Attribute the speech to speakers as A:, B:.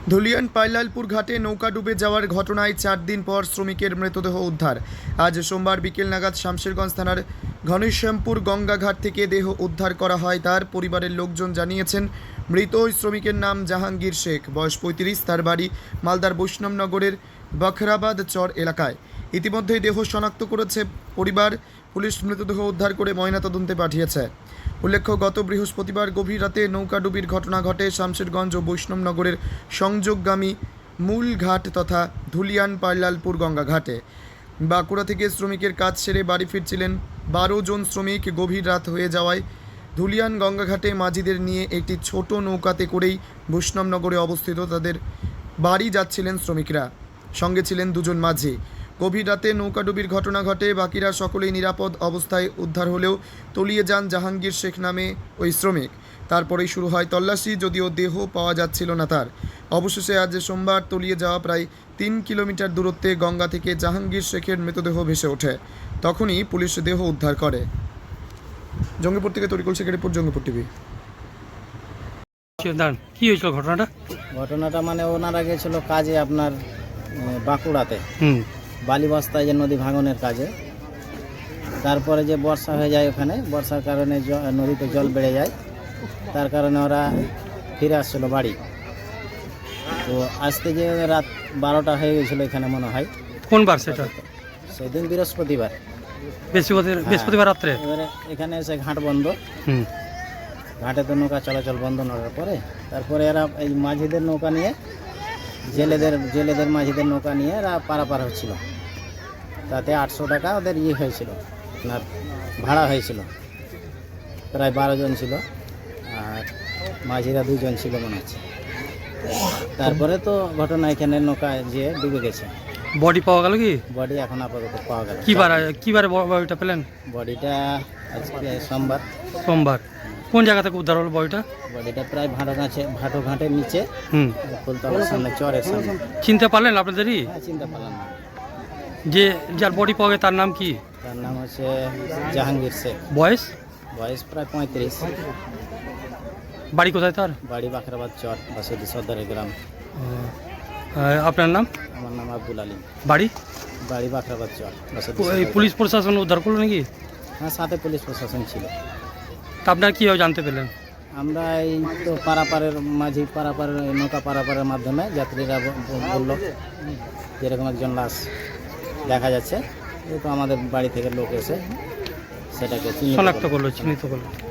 A: ধুলিয়ান পাইলালপুর ঘাটে নৌকা ডুবে যাওয়ার ঘটনায় 4 দিন পর শ্রমিকের মৃতদেহ উদ্ধার। আজ সোমবার বিকেল নাগাদ শামশেরগঞ্জ থানার ঘনশ্যামপুর গঙ্গাঘাট থেকে দেহ উদ্ধার করা হয়। তার পরিবারের লোকজন জানিয়েছেন, মৃত ওই শ্রমিকের নাম জাহাঙ্গীর শেখ, বয়স 35, তার বাড়ি মালদার বৈষ্ণবনগরের বখরাবাদ চর এলাকায়। ইতিমধ্যেই দেহ শনাক্ত করেছে পরিবার। পুলিশ মৃতদেহ উদ্ধার করে ময়নাতদন্তে পাঠিয়েছে। উল্লেখ্য, গত বৃহস্পতিবার গভীর রাতে নৌকাডুবির ঘটনা ঘটে শামশেরগঞ্জ ও বৈষ্ণবনগরের সংযোগগামী মূল ঘাট তথা ধুলিয়ান পাইলালপুর গঙ্গা ঘাটে। বাঁকুড়া থেকে শ্রমিকের কাজ সেরে বাড়ি ফিরছিলেন 12 জন শ্রমিক। গভীর রাত হয়ে যাওয়ায় ধুলিয়ান গঙ্গাঘাটে মাঝিদের নিয়ে একটি ছোট নৌকাতে করেই বৈষ্ণবনগরে অবস্থিত তাদের বাড়ি যাচ্ছিলেন শ্রমিকরা। সঙ্গে ছিলেন 2 জন মাঝি। গভীর রাতে নৌকাডুবির ঘটনা ঘটে। বাকিরা সকলেই নিরাপদ অবস্থায় উদ্ধার হলেও তলিয়ে যান জাহাঙ্গীর শেখ নামে ওই শ্রমিক। তারপরেই শুরু হয় তল্লাশি, যদিও দেহ পাওয়া যাচ্ছিল না তার। অবশেষে আজ সোমবার তলিয়ে যাওয়া প্রায় 3 কিলোমিটার দূরত্বে গঙ্গা থেকে জাহাঙ্গীর শেখের মৃতদেহ ভেসে ওঠে। তখনই পুলিশ দেহ উদ্ধার করে। জঙ্গিপুর থেকে তরিকুল শেখের রিপোর্ট, জঙ্গিপুর টিভি।
B: কি হয়েছিল ঘটনাটা?
C: ঘটনাটা মানে ওনারা গেছিল কাজে আপনার বাঁকুড়াতে বালি বস্তায় যে নদী ভাঙনের কাজে। তারপরে যে বর্ষা হয়ে যায়, ওখানে বর্ষার কারণে নদীতে জল বেড়ে যায়, তার কারণে ওরা ফিরে আসছিল বাড়ি। তো আসতে গিয়ে রাত 12টা হয়ে গেছিলো এখানে মনে হয়।
B: কোন বার সেটা?
C: সেদিন বৃহস্পতিবার,
B: বৃহস্পতিবার রাত্রে।
C: এবারে এখানে এসে ঘাট বন্ধ, ঘাটে তো নৌকা চলাচল বন্ধ করার পরে তারপরে এরা এই মাঝিদের নৌকা নিয়ে জেলেদের মাঝিদের নৌকা নিয়ে এরা পারাপার হচ্ছিল। তাতে 800 টাকা ওদের হয়েছিল, আপনার ভাড়া হয়েছিল। প্রায় 12 জন ছিল, আর মাঝিরা 2 জন ছিল মনে হচ্ছে। তারপরে তো ঘটনা এখানে নৌকা যে ডুবে গেছে।
B: বডি পাওয়া গেল কি?
C: বডি এখন আপাতত পাওয়া গেল।
B: কিবারে বডিটা পেলেন?
C: বডিটা আজকে সোমবার।
B: কোন জায়গা থেকে উদ্ধার হলো বডিটা?
C: বডিটা প্রায় ভাটো ঘাটের নিচে, ফুলতলার সামনে, চরের সামনে।
B: চিনতে পারলেন আপনাদেরই?
C: হ্যাঁ, চিনতে পারলাম না।
B: যার বডি পাওয়া গেছে তার নাম কি?
C: তার নাম হচ্ছে জাহাঙ্গীর শেখ।
B: বয়স
C: প্রায় 35।
B: বাড়ি কোথায় তার?
C: বাড়ি বাখরাবাদ চর, বাসুদি সর্দারের গ্রাম।
B: আপনার নাম?
C: আমার নাম আব্দুল আলী।
B: বাড়ি
C: বাখরাবাদ চর, বাসুদি।
B: পুলিশ প্রশাসন উদ্ধার করলো নাকি?
C: হ্যাঁ, সাথে পুলিশ প্রশাসন ছিল।
B: তা আপনার কীভাবে জানতে পেলেন?
C: আমরা এই তো পারাপারের নৌকা পারাপারের মাধ্যমে যাত্রীরা বললো যেরকম একজন লাশ দেখা যাচ্ছে। এই তো আমাদের বাড়ি থেকে লোক এসে সেটাকে
B: শনাক্ত করলো, চিহ্নিত করলো।